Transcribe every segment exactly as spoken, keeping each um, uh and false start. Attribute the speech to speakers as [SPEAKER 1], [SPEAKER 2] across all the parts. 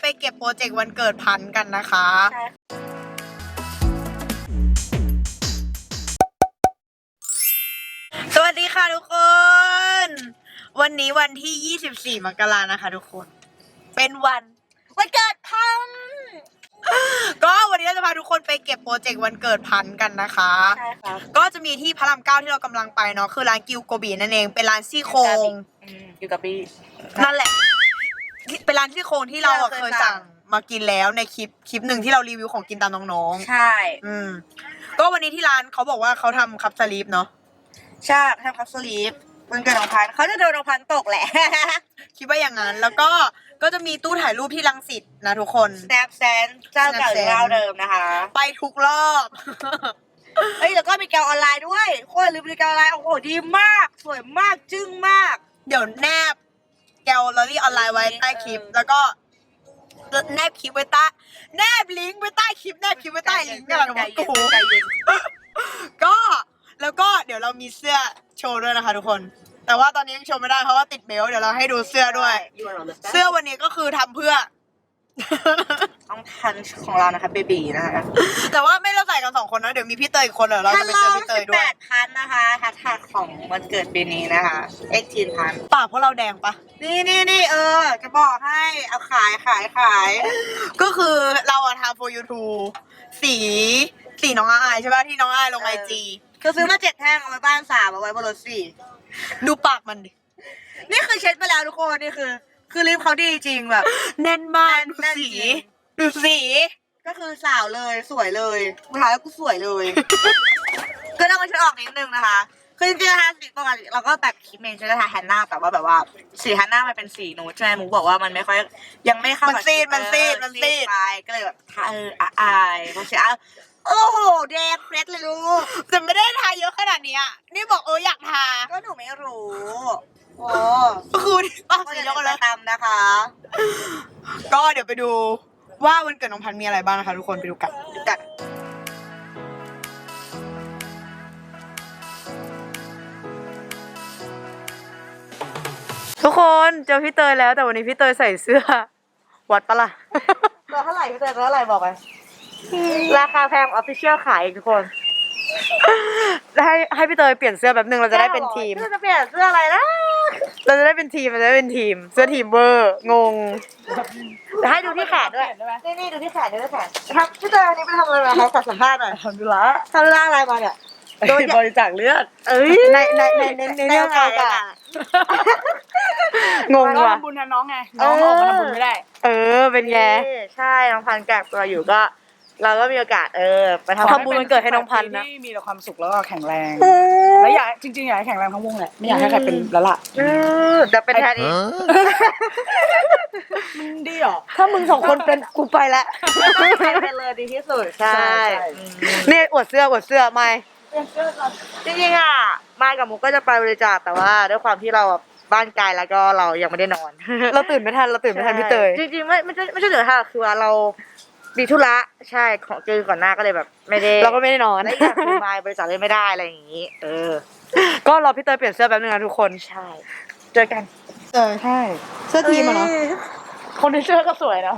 [SPEAKER 1] เก็บโปรเจกต์วันเกิดพันกันนะคะสวัสดีค่ะทุกคนวันนี้วันที่ยี่สิบสี่มกรานะคะทุกคนเป็นวันวันเกิดพันก็วันนี้เราจะพาทุกคนไปเก็บโปรเจกต์วันเกิดพันกันนะคะใช่ค่ะก็จะมีที่พระรามเก้าที่เรากำลังไปเนาะคือร้านกิวโกบีนั่นเองเป็นร้านซี่โครง
[SPEAKER 2] กิวโกบี
[SPEAKER 1] นั่นแหละเป็นร้านซี่โครงที่เราเคยสั่งมากินแล้วในคลิปคลิปหนึ่งที่เรารีวิวของกินตามน้อง
[SPEAKER 2] ๆใช่
[SPEAKER 1] อืมก็วันนี้ที่ร้านเขาบอกว่าเขาทำคัพสลีปเนาะ
[SPEAKER 2] ใช่ทำคัพสลีปวันเกิดน้องพันเขาจะโดนน้องพันตกแหละ
[SPEAKER 1] คิดว่าอย่างนั้นแล้วก็ก็จะมีตู้ถ่ายรูปที่รังสิตนะทุกคน
[SPEAKER 2] Snap Stand เจ้าเก่าเจ้าเดิมนะคะ
[SPEAKER 1] ไปทุกรอบ
[SPEAKER 2] เฮ้ยแล้วก็มีแกวออนไลน์ด้วยโคตรลืมมีแกวออนไลน์โอ้โหดีมากสวยมากจึ้งมาก
[SPEAKER 1] เดี๋ยวแนบแกวลอรี่ออนไลน์ไว้ใต้คลิปแล้วก็แนบคลิปไว้ใต้แนบลิงก์ไว้ใต้คลิปแนบคลิปไว้ใต้ลิงก์กันหรอกูก็แล้วก็เดี๋ยวเรามีเสื้อโชว์ด้วยนะคะทุกคนแต่ว่าตอนนี้ยังโชว์ไม่ได้เพราะว่าติดเบลต์เดี๋ยวเราให้ดูเสื้อด้วยเสื้อวันนี้ก็คือทำเพื่อ
[SPEAKER 2] ต้องพันของเรานะคะเบบีนะคะ
[SPEAKER 1] แต่ว่าไม่เราใส่กันสองคนนะเดี๋ยวมีพี่เตยอีกคนเดี๋ยวเราจะไปเจอพี่เตยด้วย
[SPEAKER 2] แปดพันนะคะแฮชแท็กของวันเกิดปีนี้นะคะเอ็กทีนพัน
[SPEAKER 1] ปากเพราะเราแดงปะ
[SPEAKER 2] นี่นี่นี่เออจะบอกให้เอาขายขายขาย
[SPEAKER 1] ก็คือเราอะทำ for YouTube สีสีน้องอายใช่ป่ะที่น้องอายลงไอจี
[SPEAKER 2] คือซื้อมาเจ็ดแท่งเอาไว้บ้านสามเอาไว้บนรถสี่
[SPEAKER 1] ดูปากมันดิ
[SPEAKER 2] นี่คือเช็ดไปแล้วทุกคนนี่คือคือลิปเขาดีจริงแบบ
[SPEAKER 1] แน่นมากดูสีดูสี
[SPEAKER 2] ก็คือสาวเลยสวยเลยสุดท้ายแล้วกูสวยเลยก็ต้องมาช่วยออกนิดนึงนะคะคือจริงๆนะคะสีปกติเราก็แบบคิดเมนใช้ทาแฮนน่าแต่ว่าแบบว่าสีแฮนน่ามันเป็นสีนูดใช่ไหมมุกบอกว่ามันไม่ค่อยยังไม่เข้า
[SPEAKER 1] มันซีดมันซีดมันซีด
[SPEAKER 2] ไปก็เลยแบบทาเอออายเพราะฉะนั้นโอ้โหแดงเฟรชเลยลูก
[SPEAKER 1] แต่ไม่ได้ทาเยอะขนาดนี้อ่ะนี่บอกเอออยากทา
[SPEAKER 2] ก็หนูไม่รู้โอ้
[SPEAKER 1] คือป้าสี
[SPEAKER 2] เดียวกันเลยตามนะคะ
[SPEAKER 1] ก็เดี๋ยวไปดูว่าวันเกิดน้องพันมีอะไรบ้างนะคะทุกคนไปดูกันดูกันทุกคนเจอพี่เตยแล้วแต่วันนี้พี่เตยใส่เสื้อวัดปะล่ะ
[SPEAKER 2] ตัวเท่าไหร่พี่เตยตัวเท่าไหร่บอกไปราคาแพงออฟฟิเชียลขายทุกคน
[SPEAKER 1] ให้ให้พี่เตยเปลี่ยนเสื้อแบบนึงเราจะได้เป็นทีม
[SPEAKER 2] จะเปลี่ยนเสื้ออะไรนะ
[SPEAKER 1] เราจะได้เป็นทีมเราจะได้เป็นทีมเสื้อทีมเวอร์งง
[SPEAKER 2] ให้ดูที่แขนด้วยนี่นี่ดูที่แขนดูที่แขนครับพี่เตยอันนี้ไปทำอะไรมาคะขอสัมภาษณ์หน่อย
[SPEAKER 1] ทำดูละ
[SPEAKER 2] ทำอะไรมาเนี่ย
[SPEAKER 1] โดนบริจาคเลือด
[SPEAKER 2] เอ้ย
[SPEAKER 1] ในในในในในเรื่องการงงว่ะ
[SPEAKER 3] ทำบุญนะน้องไงน้องออกมาทำบุญไม่ได้
[SPEAKER 1] เออเป็นไง
[SPEAKER 2] ใช่น้องพันกักตัวอยู่ก็เราก็มีโอกาสเออไปท
[SPEAKER 1] ำบุญวันเกิดให้น้องพันนะ
[SPEAKER 3] ที่มีแต่ความสุขแล้วก็แข็งแรงแล้วอยากจริงๆอยากให้แข็งแรงทั้งวงแหละไม่อยากให้ใครเป็นละละ
[SPEAKER 2] จะเป็นแทนอีก
[SPEAKER 3] มันดีหรอ
[SPEAKER 1] ถ้ามึงสองคนเป็นกูไปละ
[SPEAKER 2] ใครเป็นเลยดีที่สุดใช่
[SPEAKER 1] นี่อวดเสื้ออวดเสื้อไม่
[SPEAKER 2] จริงๆอ่ะมากับมุกก็จะไปบริจาคแต่ว่าด้วยความที่เราบ้านไกลแล้วก็เรายังไม่ได้นอน
[SPEAKER 1] เราตื่นไม่ทันเราตื่นไม่ทันพี่เตย
[SPEAKER 2] จริงๆไม่ไม่ใช่ไม่ใช่เหนือค่ะคือว่าเราดีธุระใช่ของเจอก่อนหน้าก็เลยแบบไม่ได้
[SPEAKER 1] เราก็ไม่ได้นอน
[SPEAKER 2] แล้วอยากคือมาบริจาคเลยไม่ได้อะไรอย่างนี้เออ
[SPEAKER 1] ก็รอพี่เตยเปลี่ยนเสื้อแป๊บนึงนะทุกคน
[SPEAKER 2] ใช่เจอกัน
[SPEAKER 1] เออใช่เสื้อทีมอ่ะเนาะ
[SPEAKER 3] คนในเสื้อก็สวยเนาะ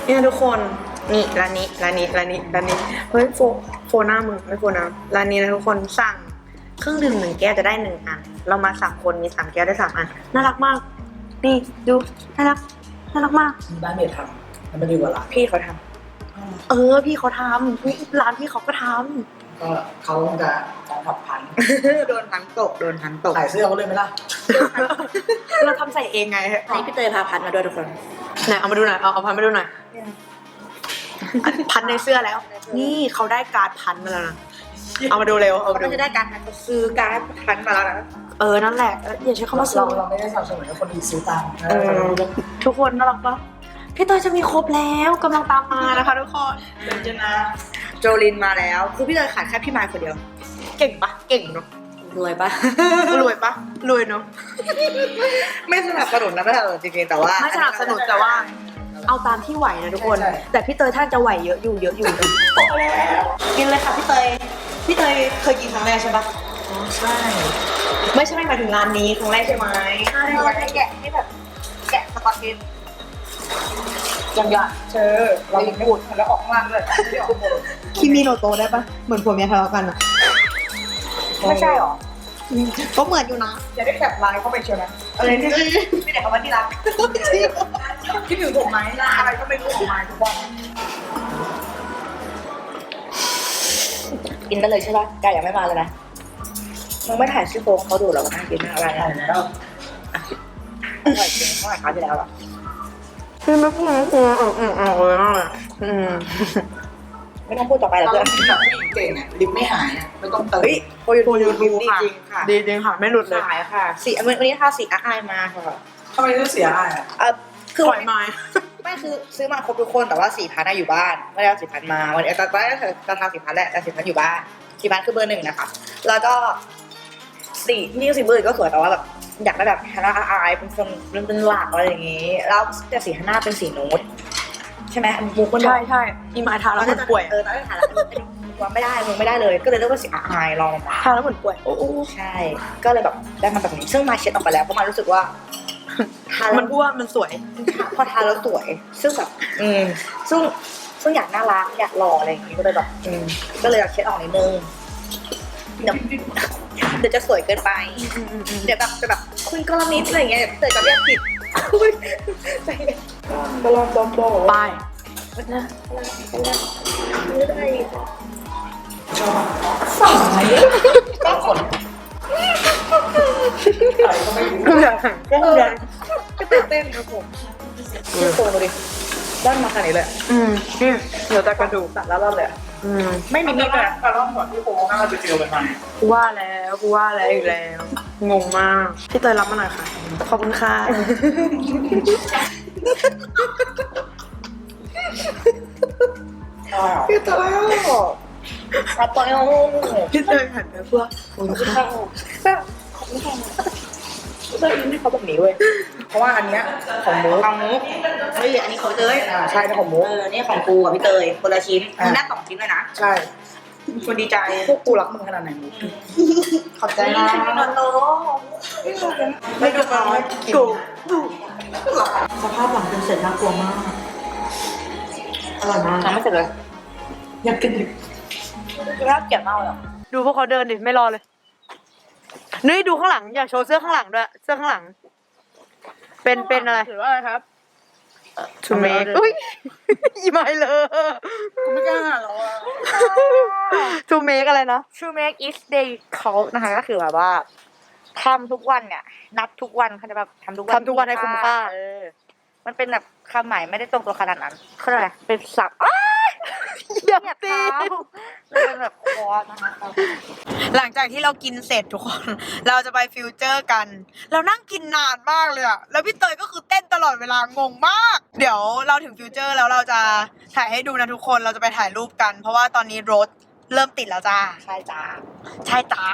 [SPEAKER 1] เนี่ยทุกคนนี่ร้านนี้ร้านนี้ร้านนี้ร้านนี้เฮ้ยโฟโฟหน้ามึงไม่โฟน้ำร้านนี้นะทุกคนสั่งเครื่องดื่มหนึ่งแก้วจะได้หนึ่งอันเรามาสามคนมีสามแก้วได้สามอันน่ารักมากนี่ดูน่ารักน่ารักมาก
[SPEAKER 3] บ้านเมย์ทำมันไม่ดีกว่าร้าน
[SPEAKER 1] พี่เขาทำเออพี่เขาทำพี่ร้านพี่เขาก็ท
[SPEAKER 3] ก็เขาจะจะผัดพัน
[SPEAKER 1] ำ โดนทั้งตกโดนทั้งตก
[SPEAKER 3] ขายเสื้อเขาเลยไหมล่ะ
[SPEAKER 1] เราทำใส่เองไงนี่พี่เตยพาพันมาด้วยทุกคนไหนเอามาดูหน่อยเอาเอาพันมาดูหน่อยพันในเสื้อแล้ว นี่เขาได้การ์ดพันมาแล้วนะเอามาดูเร็วเอามาดู
[SPEAKER 2] ก็จะได้การพันซื้อการพันมาแล้วนะ
[SPEAKER 1] เออนั่นแหละอย่าใช้คำว่าซื้
[SPEAKER 3] เรา
[SPEAKER 1] อ
[SPEAKER 3] เราไม่ได้สนับสนุนให้คนอื่นซื้อตาม
[SPEAKER 1] เออทุกคนน่ารักปะพี่เตยจะมีครบแล้วกำลังตามมานะคะทุกคน
[SPEAKER 3] เป็นจะนะ
[SPEAKER 2] โจลินมาแล้วคือพี่เตยขาดแค่พี่ไมค์คนเดียว
[SPEAKER 1] เก่งปะเก่งเนาะ
[SPEAKER 2] รวยปะ
[SPEAKER 1] รวยปะรวยเนาะ
[SPEAKER 2] ไม่สนับสนุนนะไม่สนับสนุนจริงๆแต่ว่า
[SPEAKER 1] ไม่สนับสนุนแต่ว่า เอาตามที่ไหวนะทุกคน แต่พี่เตยท่านจะไหวเยอะอยู่เยอะอยู่
[SPEAKER 2] โตแล้วกินเลยค่ะพี่เตยพี่เตยเคยกินครั้งแรกใช่ปะ
[SPEAKER 3] ใช่
[SPEAKER 1] ไม่ใช่หมายถึงร้านนี้ครั้งแรกใช่ไหม
[SPEAKER 2] ใช่ให้แกะให้แบบแกะสกอตเทป
[SPEAKER 3] ยังอยากเจอเราไม่พูดแล้วออกข้างล่างด้วยไม่ออกหมด
[SPEAKER 1] คิมิโนโตะได้ปะเหมือนผัวเมียทะเลาะกันอะ
[SPEAKER 2] ไม่ใช่หรอ
[SPEAKER 1] ก็เหมือนอยู่นะ
[SPEAKER 3] อย่าได้แคปไลน์เข้าไปเชียวนะ
[SPEAKER 2] อะไรที่ไม่ได้คำว่าที่รัก
[SPEAKER 3] คิดถึงผมไหมหน้าอะไรก็ไม่รู้ออกมาทุกวัน
[SPEAKER 2] กินได้เลยใช่ปะแกยังไม่มาเลยนะมึงไม่ถ่ายชื่อโฟงเขาดูหรอว่าน่ากินอะไร
[SPEAKER 3] ใช่
[SPEAKER 2] นะ
[SPEAKER 3] แล้ว
[SPEAKER 2] อร่อยจริงเท่าไหร่คราวที่แล้วอ่ะ
[SPEAKER 1] พี่ไม่พูดไม่พูดอืมอืมอืมเลยมากเลยอืม
[SPEAKER 2] ไม่ต้องพูดต่อไปแล้ว
[SPEAKER 3] เรา
[SPEAKER 2] เพื่อน
[SPEAKER 3] เป็นแบบผู้หญิงเก่งอ่ะลิฟต์ไม่หายอ่ะไม่ต้องเติม
[SPEAKER 2] เฮ้ยโปรยู
[SPEAKER 1] โปรยูทู
[SPEAKER 2] ดี
[SPEAKER 1] ค่ะ
[SPEAKER 2] จริงค่ะ
[SPEAKER 1] ดีจริงค่ะไม่หลุดเลย
[SPEAKER 2] ขายค่ะสีวันนี้ทาสีอาไอมาค่ะ
[SPEAKER 3] ทำไมต้องเสียอ่ะ
[SPEAKER 2] เออคือ
[SPEAKER 1] ปล่อยไม้
[SPEAKER 2] ไม่คือซื้อมาครบทุกคนแต่ว่าสี่พันอยู่บ้านไม่ได้เอาสี่พันมาวันนี้ตอนแรกจะทำสี่พันแหละแต่สี่พันอยู่บ้านสี่พันคือเบอร์หนึ่งนะคะ แล้วก็สีนี่สีเบอร์อื่นก็สวยแต่ว่าแบบอยากได้แบบฮาน่าอาไอเป็นคนเป็นหลักอะไรอย่างงี้ แล้วแต่สีฮาน่าเป็นสีนูดใช่ไหมมุกมันบอก
[SPEAKER 1] ใช่ใช่อีไม้ทาแล้วเหมือนป่วย
[SPEAKER 2] เออตอนแรกถ่ายแล้วว่าไม่ได้มึงไม่ได้เลย ก็เลยเลือกว่าสีอาไอลองมา
[SPEAKER 1] ทาแล้วเหมือนป่วยโอ้โห
[SPEAKER 2] ใช่ ก็เลยแบบได้มาแบบนี้ซึ่งมาเช็ดออกไปแล้วเพราะมารู้สึกว่าทาแล้ว
[SPEAKER 1] มันอ้วนมันสวย
[SPEAKER 2] พอทาแล้วสวย ซึ่งแบบ อืม ซึ่ง ซึ่งอยากน่ารัก อยากหล่ออะไรอย่างงี้ ก็เลยแบบ อืม ก็เลยอยากเช็ดออกนิดนึง เดี๋ยวเดี๋ยวจะสวยเกินไป เดี๋ยวแบบจะแบบคุณกรณิตอะไรอย่างเงี้ยเดี๋ยวเตยจะเรียกผิดใจเย็นบอลบอมบอล
[SPEAKER 1] ไป
[SPEAKER 2] ไม่ได้
[SPEAKER 3] บางคนอะไรก็ไม่รู้
[SPEAKER 1] ก็คือ
[SPEAKER 2] ก็ตื่นเต้นครับผมชื่อโตดูดิด้านมาขนาดนี้เลย
[SPEAKER 1] อืมนี่เดี๋ยวจะกระดูก
[SPEAKER 2] ตัดแล้วรอดเลย
[SPEAKER 1] อืม
[SPEAKER 2] ไม่มี
[SPEAKER 3] นี่
[SPEAKER 2] นี่
[SPEAKER 3] ก็
[SPEAKER 2] เลย
[SPEAKER 3] การรอบก่อนที่โค้งน่าจะเจอกันมา
[SPEAKER 1] กูว่าแล้วกูว่าแล้วอีกแล้ว งงมากพี่เตยรับมาหน่อยค่ะ ขอบคุณค่ะ
[SPEAKER 2] พี่เตยรับตัวเอง
[SPEAKER 1] พี่เตยหันไปเพื่อขอบคุณค่ะ
[SPEAKER 2] แบบขอบคุณค่ะเตยอินให้เขาแบบนี้เว้ย
[SPEAKER 3] เพราะว่าอันเนี้ยของมุก
[SPEAKER 2] ของมุกเฮ้ยอันนี้ของเตย
[SPEAKER 3] อ่าใช่นะของมุก
[SPEAKER 2] เออนี่ของกูกับพี่เตยคนละชิ้นมึงได้สองชิ้นเลยนะ
[SPEAKER 3] ใช่
[SPEAKER 2] คนดีใจ
[SPEAKER 3] พวกกูรักมึงขนาดไหนมุก
[SPEAKER 2] ขอบใจนะ
[SPEAKER 1] ไม่ดูน้อยกู
[SPEAKER 2] สภาพหลังจนเสร็จน่ากลัวมากอร่อยมากทำไม่เสร็จเลย
[SPEAKER 3] อยากกินอีก
[SPEAKER 2] คือน่าเกลียดมากเลย
[SPEAKER 1] ดูพวกเขาเดินดิไม่รอเลยนี่ดูข้างหลังอยากโชว์เสื้อข้างหลังด้วยเสื้อข้างหลัง เป็นเป็นอะไร
[SPEAKER 2] หรือว่าอะไรครับ
[SPEAKER 1] ทูเมกอุ้ยอีไม่เลย
[SPEAKER 3] กูไม่กล้าหรอก
[SPEAKER 1] ทูเมกอะไรนะ
[SPEAKER 2] True make each day count นะคะก็คือแบบว่าทำทุกวันเนี่ย นับทุกวันเขาจะแบบทำทุกวัน
[SPEAKER 1] ทำทุกวันให้คุ้มค่า
[SPEAKER 2] เออมันเป็นแบบคำหมายไม่ได้ตรงตัวขนาดนั้นเขาเรียกอะไรเป็นศัพท์อ้า
[SPEAKER 1] อย่า
[SPEAKER 2] เหยียบ
[SPEAKER 1] ตี
[SPEAKER 2] เท้าเลยเป็นแบบคอร์สนะคะ
[SPEAKER 1] หลังจากที่เรากินเสร็จทุกคน เราจะไปฟิวเจอร์กัน เรานั่งกินนานมากเลยอะแล้วพี่เตยก็คือเต้นตลอดเวลางงมาก เดี๋ยวเราถึงฟิวเจอร์แล้วเราจะถ่ายให้ดูนะทุกคน เราจะไปถ่ายรูปกัน เพราะว่าตอนนี้รถเริ่มติดแล้วจ้า
[SPEAKER 2] ใช่จ้า
[SPEAKER 1] ใช่จ้า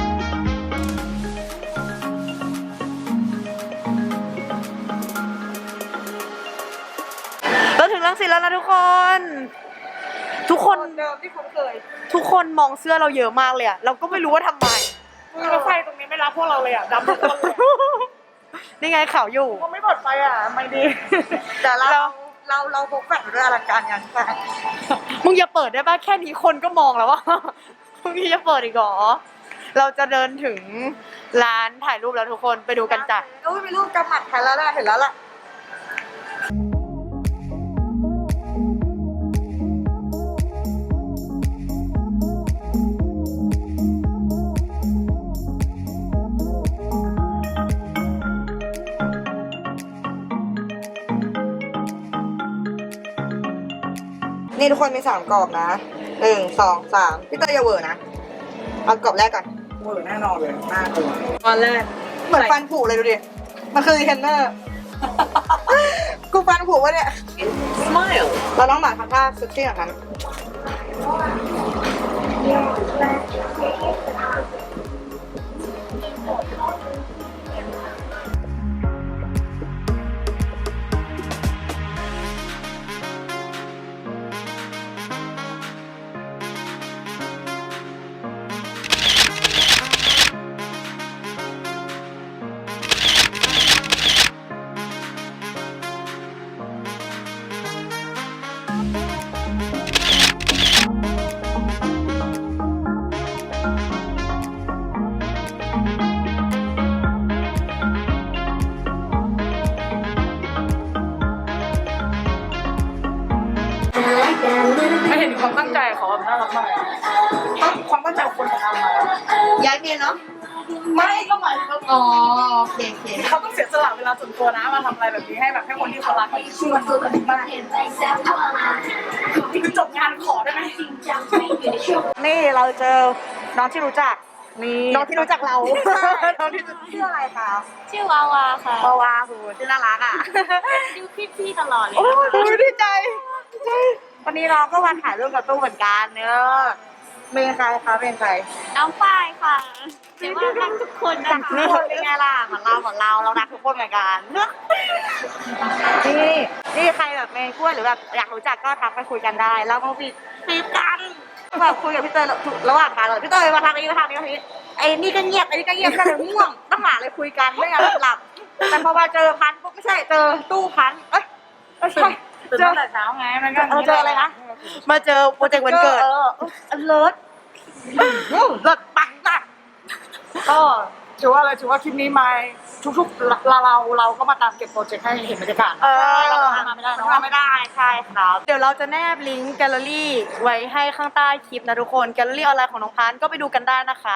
[SPEAKER 1] เราถึงรังสิตแล้วนะทุกคน ทุกคน
[SPEAKER 2] เดิมที่คุ้นเคย
[SPEAKER 1] ทุกคนมองเสื้อเราเยอะมากเลยอะเราก็ไม่รู้ว่าทำไม
[SPEAKER 2] รถไฟตรงนี้ไม่รับพวกเราเลยอ่ะดำทุกคนเลย
[SPEAKER 1] นี่ไงข่าวอยู่
[SPEAKER 2] ก็ไม่ปลอดไฟอ่ะไม่ดี
[SPEAKER 1] แต่เรา
[SPEAKER 2] เราเราพกแฟลชมาด้วยอลังการงานสร้าง
[SPEAKER 1] มึงอย่าเปิดได้ป่ะแค่นี้คนก็มองแล้วว่า มึงนี่จะเปิดอีกเหรอเราจะเดินถึงร้านถ่ายรูปแล้วทุกคนไปดูกันจ้ะ
[SPEAKER 2] โอ้ยมีรูปกำหมัดใครแล้วล่ะเห็นแล้วล่ะ นี่ทุกคนมีสามกรอบนะหนึ่งสองสามพี่เตยอย่าเวอร์นะเอากรอบแรกก่อน
[SPEAKER 3] เวอร์แน่นอนเลยหน้าตัว
[SPEAKER 1] ตอนแรก
[SPEAKER 2] เหมือนฟันผุเลยดูดิ มันคือเทนเนอร์ กูฟันผุวะเนี่ย
[SPEAKER 1] smile
[SPEAKER 2] เราน้องหมาทำท่าเซ็กซี่อย่างนั้น
[SPEAKER 3] ไม่เห็นความตั้งใจเขาแบบน่ารักมากความตั้งใจของคนทำมา
[SPEAKER 2] ย้ายเมียเนาะ
[SPEAKER 3] ไม่ก็หมายถึงว่า
[SPEAKER 2] อ๋อโอเคโอเค
[SPEAKER 3] เขาต้องเสียสละเวลาส่วนตัวนะมาทำอะไรแบบนี้ให้แบบให้คนที่เขารักคือมันตัวกันมากคือจบงานขอได้ไหม
[SPEAKER 2] นี่เราเจอน้องที่รู้จัก นี่
[SPEAKER 1] น้องที่รู้จักเรา
[SPEAKER 2] น้องที่ชื่ออะไรคะ
[SPEAKER 4] ชื่อวาวาค่ะ
[SPEAKER 2] ปาวาหูชื่อน่ารักอ่ะ
[SPEAKER 4] ดูคลิปพี่ตลอดเลย
[SPEAKER 2] โอ้
[SPEAKER 4] นะคะ
[SPEAKER 2] ยดีใจดีใจ วันนี้น้องก็มาถ่ายรูปกับตู้เหมือนกันเนอะเป็นใครคะเป็นใคร
[SPEAKER 4] น้องฝ้ายค่ะแต่ว่ารักทุกคนนะ
[SPEAKER 2] ทุก
[SPEAKER 4] คะ
[SPEAKER 2] คนเป็นไงล่ะเหมือนเราเหมือนเราเรารักทุกคนเหมือนกันนี่นี่ใครแบบเมย์กล้วยหรือแบบอยากรู้จักก็ทักไปคุยกันได้เรามาปิดปิดกันแบบคุยกับพี่เตยระหว่างทางเลยพี่เตยมาทางนี้มาทางนี้มาทางนี้ไอ้นี่ก็เงียบไอ้นี่ก็เงียบกันเลยง่วงต้องหาเลยคุยกันไม่งั้นหลับแต่พอมาเจอพันปุ๊บไม่ใช่เจอตู้พันเอ้ยไม่ใช่
[SPEAKER 3] ตื่น
[SPEAKER 2] เจอ
[SPEAKER 3] ตั้งแต่เช้าไงมันก็
[SPEAKER 2] เออเจออะไรนะ
[SPEAKER 1] มาเจอโปรเจกต์วันเกิด
[SPEAKER 2] เออเลิศเลิศปังมาก
[SPEAKER 3] ก็ถือว่าอะไรถือว่าคลิปนี้มาทุกๆเราเราเราก็มาตามเก็บโปรเจกต์ให้เห็นบรรยากาศ
[SPEAKER 1] เออ
[SPEAKER 3] เราก็ทำไม่ได้เนอะ
[SPEAKER 2] ทำไม่ได้ใช่ครับ
[SPEAKER 1] เดี๋ยวเราจะแนบลิงก์แกลเลอรี่ไว้ให้ข้างใต้คลิปนะทุกคนแกลเลอรี่ออนไลน์ของน้องพันธุ์ก็ไปดูกันได้นะคะ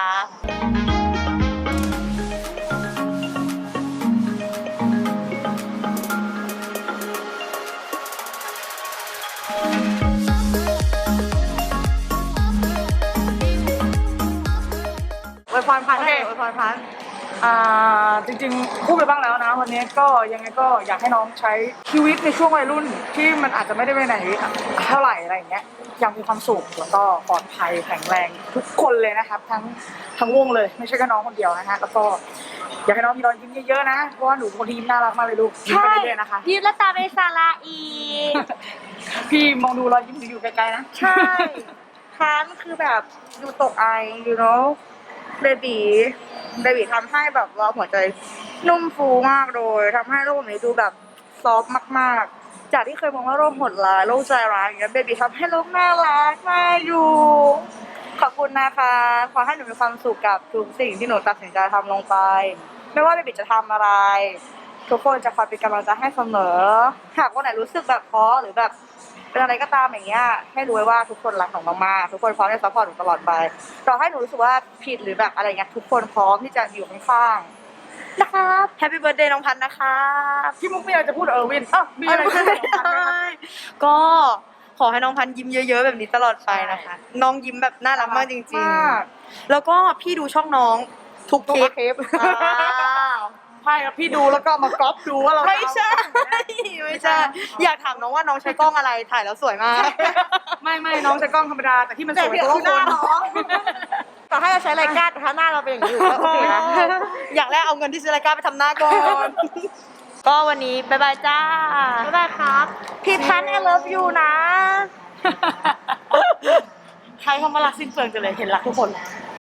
[SPEAKER 2] อวยพรพันธุ์ให้อวยพรพันธุ์
[SPEAKER 3] อ่าจริงๆพูดไปบ้างแล้วนะ วันนี้ก็ยังไงก็อยากให้น้องใช้ชีวิตในช่วงวัยรุ่นที่มันอาจจะไม่ได้ไปไหนเท่าไหร่อะไรอย่างเงี้ยยังมีความสุขแล้วก็ปลอดภัยแข็งแรงทุกคนเลยนะครับ ทั้งทั้งวงเลยไม่ใช่แค่น้องคนเดียวนะฮะแล้วก็อยากให้น้องมีรอยยิ้มเยอะๆนะเพราะว่าหนูเป็นคนที่ยิ้มน่ารักมากเลยลูกยิ้มไปเรื่อยๆนะคะ
[SPEAKER 4] ยิ้มแล้วตาเป็นสาระอีก
[SPEAKER 3] พี่มองดูรอยยิ้มหนูอยู่ไกลๆนะ
[SPEAKER 2] ใช่พันธุ์คือแบบดูตกไอ you know เบบีเบบีทำให้แบบว่าหัวใจนุ่มฟูมากเลยทำให้โลกนี้ดูแบบซอฟต์มากๆ จากที่เคยมองว่าโลกโหดร้ายโลกใจร้ายอย่างเงี้ยเบบีทำให้โลกน่ารักน่าอยู่ ขอบคุณนะคะขอให้หนูมีความสุขกับทุกสิ่งที่หนูตัดสินใจทำลงไป ไม่ว่าเบบีจะทำอะไร ทุกคนจะคอยเป็นกำลังใจให้เสมอ หากวันไหนรู้สึกแบบท้อหรือแบบเป็นอะไรก็ตามอย่างเงี้ยให้รู้ไว้ว่าทุกคนรักหนูมากๆทุกคนพร้อมที่จะซัพพอร์ตหนูตลอดไปต่อให้หนูรู้สึกว่าผิดหรือแบบอะไรเงี้ยทุกคนพร้อมที่จะอยู่ข้างๆนะครับ
[SPEAKER 1] แฮปปี้เบิร์ดเดย์น้องพันธุ์นะคะ
[SPEAKER 3] พี่มุกมีอะไรจะพูดกับเออร์วินอ้าวมีอะไรจะพูดกับน้องพันธุ์ไหมคะ
[SPEAKER 1] ก็ขอให้น้องพันธุ์ยิ้มเยอะๆแบบนี้ตลอดไปนะคะ น้องยิ้มแบบน่ารักมากจริง
[SPEAKER 2] มาก
[SPEAKER 1] ๆ แล้วก็พี่ดูช่องน้องทุกคลิป
[SPEAKER 2] ทุกคลิป
[SPEAKER 1] อ้าว
[SPEAKER 3] ใช่ครับพี่ดูแล้วก็มาก๊อปดูว่าเรา
[SPEAKER 1] ไม่ใช่ ไม่ใช่ อยากถามน้องว่าน้องใช้กล้องอะไรถ่ายแล้วสวยมาก
[SPEAKER 3] ไม่ไม่น้องใช้กล้องธรรมดาแต่ที่มันส
[SPEAKER 2] แต่
[SPEAKER 3] วย
[SPEAKER 2] ที่
[SPEAKER 3] เพราะ
[SPEAKER 2] คือ
[SPEAKER 3] ว่า
[SPEAKER 2] ห
[SPEAKER 3] ค
[SPEAKER 2] น้าน น้องต่อให้เราใช้รายการแต่ถ้าหน้าเราเป็นอย่างนี้อยู่ก็โอเคนะ
[SPEAKER 1] อยากแรกเอาเงินที่ซื้อรายการไปทำหน้าก่อน ก็วันนี้บ๊ายบายจ้า
[SPEAKER 2] บ๊ายบายครับพี่พันธุ์ I love you นะ
[SPEAKER 3] ใครเขามารักสิ้นเปลืองจังเลยเห็นรักทุกคน